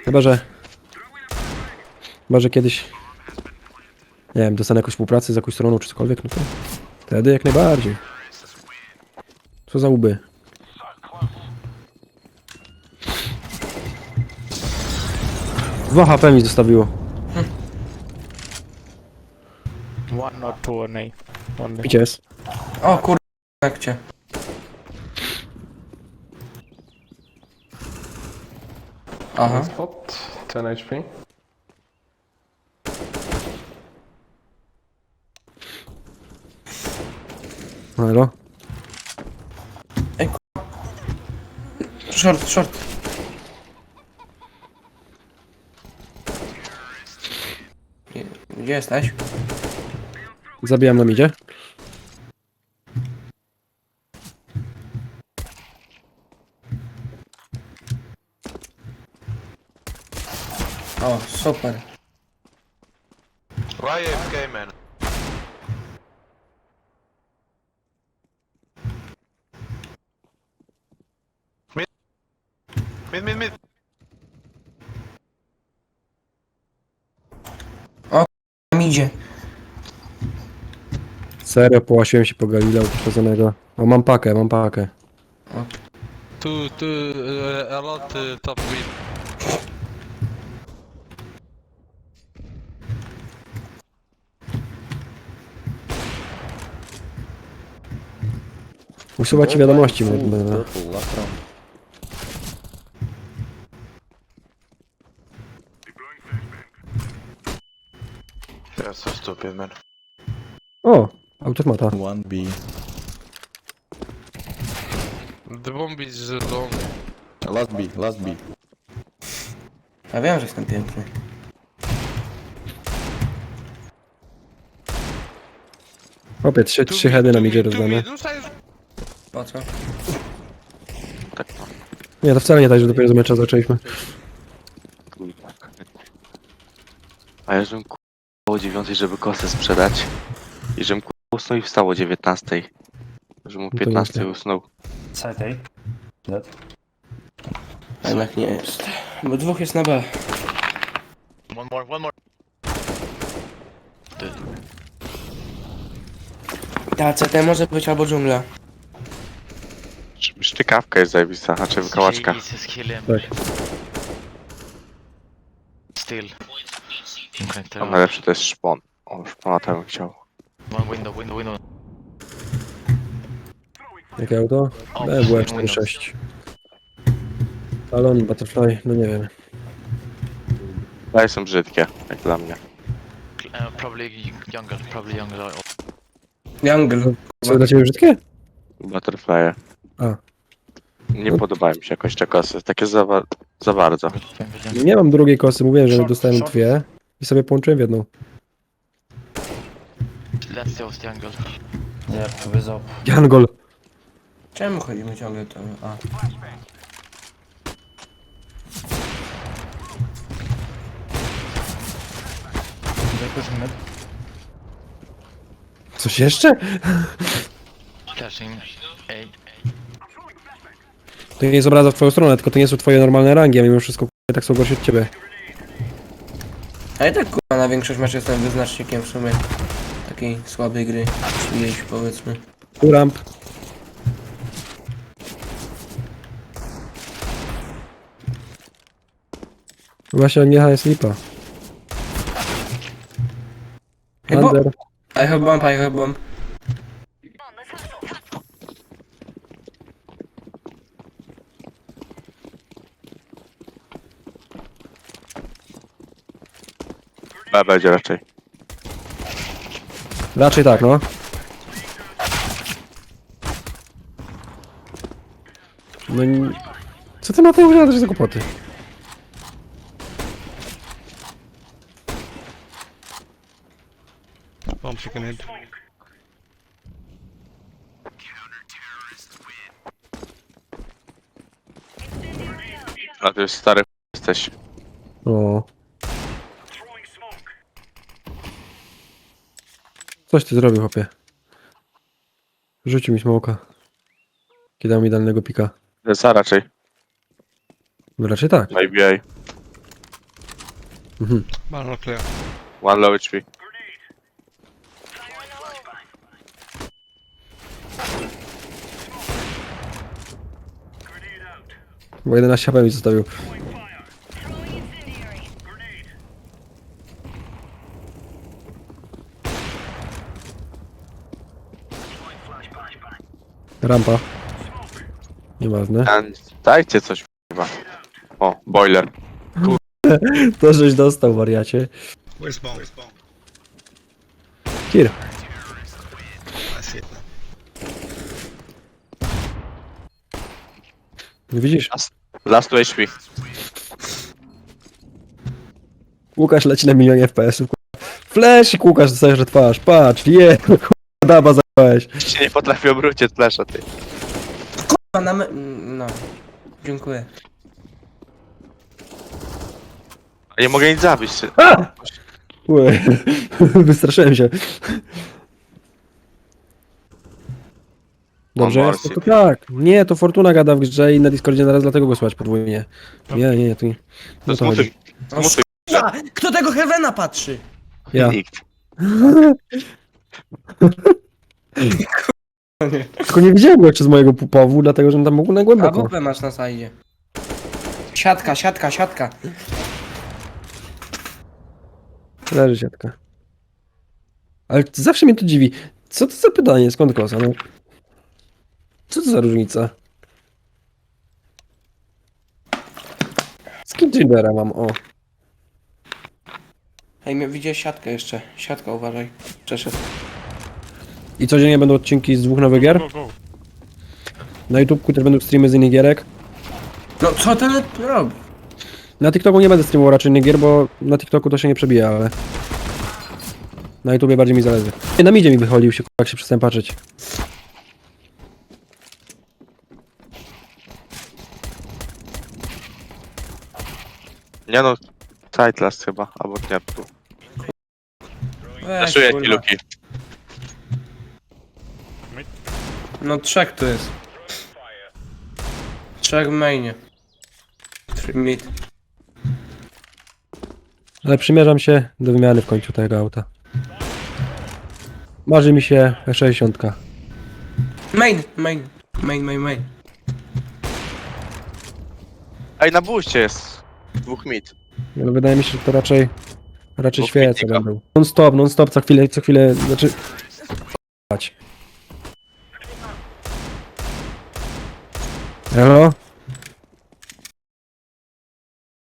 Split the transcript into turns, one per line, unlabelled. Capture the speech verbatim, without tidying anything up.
Chyba, że... Chyba, że kiedyś... Nie wiem, dostanę jakąś współpracę z jakąś stroną czy cokolwiek, no to... Wtedy jak najbardziej. Co za łby. Dwa H P mi zostawiło.
One or two on A. Only.
Picie jest.
O kur... jak cię. Aha.
Spot, ten H P.
Halo?
Short, short. Gdzie- Gdzie jesteś?
Zabijam na midzie.
O, super.
Why A F K, man? Mid. Mid, mid, mid.
Tam idzie.
Serio, połasiłem się po Galileo poszkodzonego. O, mam pakę, mam pakę.
Two, two, uh, a lot uh, top mid.
Usuwać ci wiadomości. Będę.
That's so stupid, man.
O, automata.
one B.
The bomb is uh, long.
Last B, last B.
Ja wiem, że jestem piękny.
Opie, trzy, trzy heady na midzie rozdane.
No stajesz.
Po co?
Nie, to wcale nie tak, że dopiero z mecza zaczęliśmy.
A ja żebym ku... o dziewiątej, żeby kosę sprzedać. I żebym ku... usnął i wstał o dziewiętnastej. Żebym o
to
piętnastej
nieźle.
usnął.
Side A. Dead.
A jednak nie jest. Bo dwóch jest na B.
One more, one more.
Ta C T może być albo dżungla.
Szczykawka jest zajebista, znaczy wykałaczka.
Jesus, kill him.
Tak.
Still.
A najlepszy to jest szpon. O, szpona to bym chciał.
One window, window, window.
Jakie auto? B W cztery sześć. Talon, Butterfly, no nie wiem.
Daje są brzydkie, jak dla mnie.
Uh, probably younger, probably younger.
Jungle.
Co dla ciebie brzydkie?
Butterfly.
A.
Nie
No.
podobają mi się jakoś te kosy, takie za, wa- za bardzo.
Nie mam drugiej kosy, mówiłem, że
Short,
dostałem
short.
dwie i sobie połączyłem w jedną.
Let's toast jungle.
Yep, with up.
Jangol!
Czemu chodzimy ciągle to? A.
They're pushing mid.
Coś jeszcze?
Flashing A.
To nie jest obraza w twoją stronę, tylko to nie są twoje normalne rangi, a mimo wszystko k***a, tak są gorsi od ciebie.
A ja tak kurwa na większość meczów jestem wyznacznikiem w sumie takiej słabej gry. Czyjejś powiedzmy.
Uramp. Właśnie nie jest lipa.
Hey, bo-
Under.
I have bomb, I have bomb.
B będzie raczej.
Raczej tak, no. No i... Co ty na tej używasz za kłopoty?
Bomb chicken head.
A ty już stary ch- jesteś.
O. Coś ty zrobił, chłopie. Rzucił mi smoka. Kiedy dał mi dalnego pika.
Za raczej.
No raczej tak.
Na I B A.
Mhm.
One more clear.
One low H P.
Bo jedenaście H P mi zostawił. Rampa. Nieważne.
A, dajcie coś chyba. O, boiler.
To żeś dostał, wariacie.
Where's bomb?
Kir.
I see it now.
Widzisz?
Last two H P.
Łukasz leci na milionie F P S-ów. Flash, Łukasz dostajesz że twarz. Patrz, je, daba zajebałeś.
Jeszcze nie potrafię obrócić flesza, ty.
A na me... No. Dziękuję.
A nie mogę nic zabić. Ty.
Ue, wystraszyłem się. Dobrze
On
jest? To,
morsi.
to tak. Nie, to Fortuna gada w grze i na Discordzie naraz dlatego go słychać podwójnie. Nie, nie, nie, to nie.
To
No to chodzi.
zmutuj. Zmutuj.
A, kto tego Heavena patrzy?
Ja.
Nikt.
Tylko nie widziałem go jeszcze z mojego pupowu, dlatego że on tam mógł na
A
głęboko.
W P masz na sajdzie. Siatka, siatka, siatka.
Leży siatka. Ale zawsze mnie to dziwi. Co to za pytanie? Skąd kosa? No. Co to za różnica? Skin Gingera mam, o.
Ej, mnie- widziałeś siatkę jeszcze. Siatka, uważaj. Przeszedł.
I codziennie będą odcinki z dwóch nowych gier. Na YouTubeku też będą streamy z innych gierek.
No co ten robi?
Na TikToku nie będę streamował raczej innych gier, bo na TikToku to się nie przebija, ale... Na YouTubie bardziej mi zależy. Nie, na midzie mi wychodził się, jak się przestałem patrzeć.
Nie no, side last chyba, albo nie tu.
Weź,
Zaszuję ci
kurwa.
luki.
No trzech tu jest. Trzech w mainie. Three mid.
Ale przymierzam się do wymiany w końcu tego auta. Marzy mi się sześćdziesiąt.
Main, main. Main, main, main.
Ej, na buście jest. Dwóch mid.
Ale wydaje mi się, że to raczej... Raczej
Bo
świece
krytyka.
będą. Non stop, non stop, co chwilę, co chwilę, znaczy... Chodź. Elo?